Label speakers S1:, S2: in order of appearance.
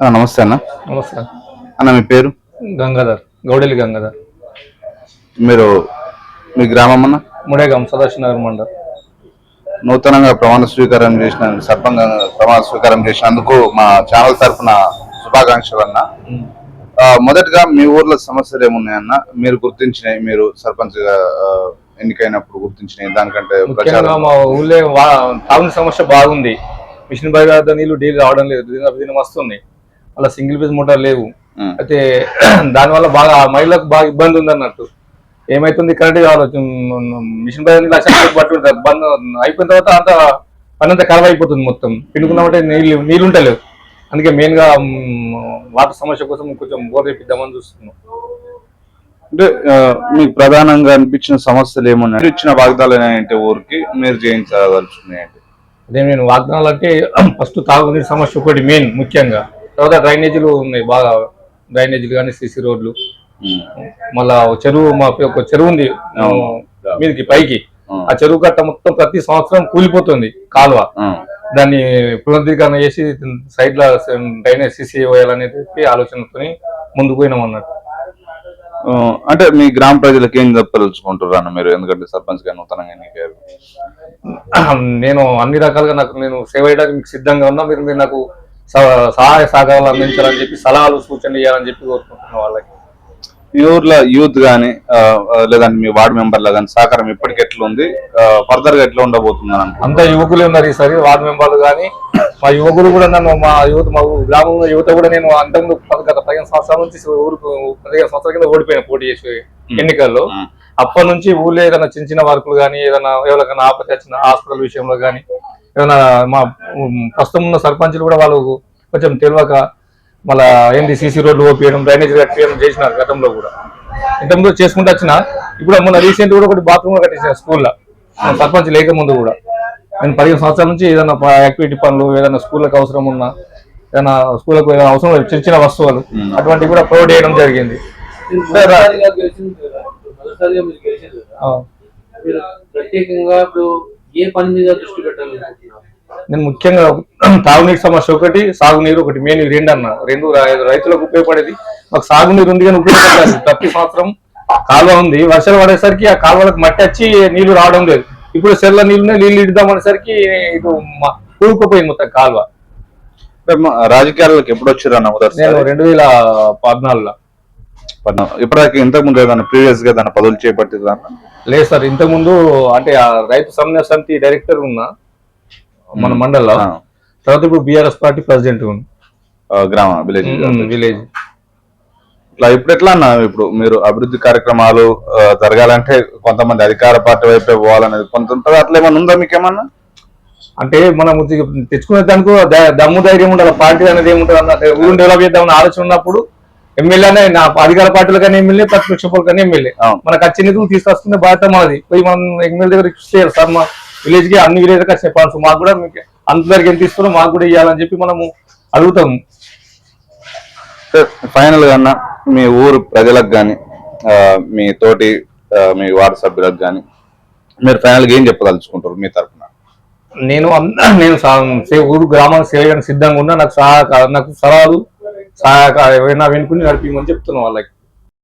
S1: నమస్తే అన్న.
S2: నమస్తే
S1: అన్న మీ పేరు?
S2: గంగాధర్, గౌడెలి గంగాధర్.
S1: మీరు మీ గ్రామం అన్న?
S2: ముడేగాం, సదాశివనగర్ మండల్.
S1: నూతనంగా ప్రమాణ స్వీకారం చేసిన ప్రమాణ స్వీకారం చేసినందుకు మా ఛానల్ తరఫున శుభాకాంక్షలు అన్న. మొదటగా మీ ఊర్లో సమస్యలు ఏమున్నాయన్న? మీరు గుర్తించినవి, మీరు సర్పంచ్ గా ఎన్నికైనప్పుడు గుర్తించినవి దానికంటే
S2: మా ఊళ్ళో తాగునీటి సమస్య బాగుంది. మిషన్ భగీరథ నీళ్లు డైలీ రావడం లేదు, దీని వస్తుంది. అలా సింగిల్ ఫేజ్ మోటార్ లేవు. అయితే దానివల్ల బాగా మహిళలకు బాగా ఇబ్బంది ఉంది అన్నట్టు. ఏమైతుంది, కరెంట్ కావాలి, మిషన్ భగీరథ లక్షలు పట్టు బంద్ అయిపోయిన తర్వాత అంత పని అంతా ఖరాబ్ అయిపోతుంది. మొత్తం పిండుకున్నామంటే నీళ్ళు ఉంటలేవు. అందుకే మెయిన్ గా వాటర్ సమస్య కోసం కొంచెం బోర్ వేపిద్దామని చూస్తున్నాం.
S1: అంటే మీకు ప్రధానంగా అనిపించిన సమస్యలు ఏమున్నాయి? ఇచ్చిన వాగ్దానాలు ఏంటి ఊరికి మీరు చేయించదలుచుకున్నాయండి?
S2: అదే నేను వాగ్దానాలు అంటే ఫస్ట్ తాగునీటి సమస్య ఒకటి మెయిన్ ముఖ్యంగా. తర్వాత డ్రైనేజీలు ఉన్నాయి, బాగా డ్రైనేజీలు కానీ సిసి రోడ్లు. మళ్ళా చెరువు, మా ఒక చెరువు ఉంది మీదకి పైకి. ఆ చెరువు కట్ట మొత్తం ప్రతి సంవత్సరం కూలిపోతుంది కాలువ. దాన్ని పునరుద్ధీకరణ చేసి సైడ్ లో డ్రైనేజ్ సిసి వేయాలనేది ఆలోచనతో ముందుకు పోయినాం అన్నట్టు.
S1: అంటే మీ గ్రామ ప్రజలకు ఏం చెప్పదలుచుకుంటారు అన్న మీరు? ఎందుకంటే సర్పంచ్ గా నూతనంగా ఎన్నికయ్యారు.
S2: నేను అన్ని రకాలుగా నేను సేవ చేయడానికి మీకు సిద్ధంగా ఉన్నా. మీరు నాకు సహాయ సహకారాలు అందించాలని చెప్పి, సలహాలు సూచనలు ఇవ్వాలని చెప్పి కోరుకుంటున్నా. వాళ్ళకి
S1: మీ ఊర్లో యూత్ గానీ లేదంటే మీ వార్డు మెంబర్ల కానీ సహకారం ఇప్పటికి ఎట్లా ఉంది, ఫర్దర్ గా ఎట్లా ఉండబోతుంది?
S2: అంతా యువకులే ఉన్నారు ఈసారి వార్డు మెంబర్లు కానీ. మా యువకులు కూడా నన్ను, మా గ్రామంలో యువత కూడా, నేను అంతకుముందు గత 15 సంవత్సరాల నుంచి ఊరుకు 15 సంవత్సరాల కింద ఓడిపోయిన పోటీ చేసి ఎన్నికల్లో. అప్పటి నుంచి ఊళ్ళో ఏదైనా చిన్న చిన్న వర్కులు కానీ, ఏదైనా ఎవరికైనా ఆపత్తి వచ్చిన హాస్పిటల్ విషయంలో కానీ, ఏదైనా మా ప్రస్తుతం ఉన్న సర్పంచులు కూడా వాళ్ళు కొంచెం తెలియక మళ్ళా ఏంటి సిసి రోడ్లు ఓపియడం, డ్రైనేజ్ కట్టియడం చేసినారు గతంలో కూడా. ఇంతకుముందు చేసుకుంటూ వచ్చిన. ఇప్పుడు మొన్న రీసెంట్ కూడా ఒకటి బాత్రూమ్ కట్టించిన స్కూల్లో, సర్పంచ్ లేక ముందు కూడా. నేను 15 సంవత్సరాల నుంచి ఏదైనా యాక్టివిటీ పనులు, ఏదైనా స్కూళ్ళకి అవసరం ఉన్నా, ఏదైనా స్కూళ్ళకు ఏదైనా అవసరం చిన్న చిన్న వస్తువులు అటువంటివి కూడా ప్రొవైడ్ చేయడం జరిగింది. నేను ముఖ్యంగా తాగునీటి సమస్య ఒకటి, సాగునీరు ఒకటి, మెయిన్ రెండు అన్న. రెండు రైతులకు ఉపయోగపడేది. మాకు సాగునీరు ఉంది కానీ ఉపయోగపడాలి. ప్రతి సంవత్సరం కాలువ ఉంది, వర్షాలు పడేసరికి ఆ కాలువలకు మట్టి వచ్చి నీళ్లు రావడం లేదు. ఇప్పుడు సెల్ల నీళ్ళు ఇద్దామనేసరికి ఇటు కూరుకుపోయింది మొత్తం కాలువ.
S1: రాజకీయాలకు ఎప్పుడు వచ్చారు అన్న?
S2: నేను 2014లో.
S1: ఇప్పటిదాకా ఇంతకు ముందు ఏదైనా ప్రీవియస్ గా ఏదైనా పదవులు చేపట్టిందా?
S2: లేదు సార్, ఇంతకు ముందు అంటే రైతు సమన్వయ సమితి డైరెక్టర్ ఉన్నా మన మండల్లో. తర్వాత ఇప్పుడు బీఆర్ఎస్ పార్టీ ప్రెసిడెంట్
S1: గ్రామ విలేజ్. ఇట్లా ఇప్పుడు ఎట్లా అన్న, ఇప్పుడు మీరు అభివృద్ధి కార్యక్రమాలు జరగాలంటే కొంతమంది అధికార పార్టీ వైపే పోవాలనేది కొంత ఉంటుంది. అట్లా ఏమన్నా ఉందా మీకేమన్నా?
S2: అంటే మనం తెచ్చుకునే దానికి దమ్ము ధైర్యం ఉండాలి. పార్టీ అనేది ఏముంటుంది అన్నట్టు ఊరిని డెవలప్ చేద్దామని ఆలోచన ఉన్నప్పుడు ఎమ్మెల్యేనే, నా అధికార పార్టీలు కానీ ఎమ్మెల్యే, ప్రతిపక్ష పార్టీ కానీ ఎమ్మెల్యే, మనకు వచ్చే నిధులు తీసుకొస్తున్న బాధ్యత మనది. పోయి మనం ఎమ్మెల్యే దగ్గర రిక్వెస్ట్ చేయాలి, సార్ మా విలేజ్ కి అన్ని విలేజ్ వచ్చే ఫండ్స్ మాకు కూడా అందరికి ఎంత ఇస్తున్నారో మాకు కూడా ఇవ్వాలని చెప్పి మనము అడుగుతాము.
S1: ఫైనల్ గా అన్న, మీ ఊరు ప్రజలకు కానీ మీ తోటి మీ వార్డు సభ్యులకు కానీ మీరు ఫైనల్ గా ఏం చెప్పదలుచుకుంటారు మీ తరఫున?
S2: నేను ఊరు గ్రామానికి సేవ చేయడానికి సిద్ధంగా ఉన్నా. నాకు సలహాలు, సహాయక ఏమైనా వెనుకుని నడిపించమని చెప్తున్నాను వాళ్ళకి.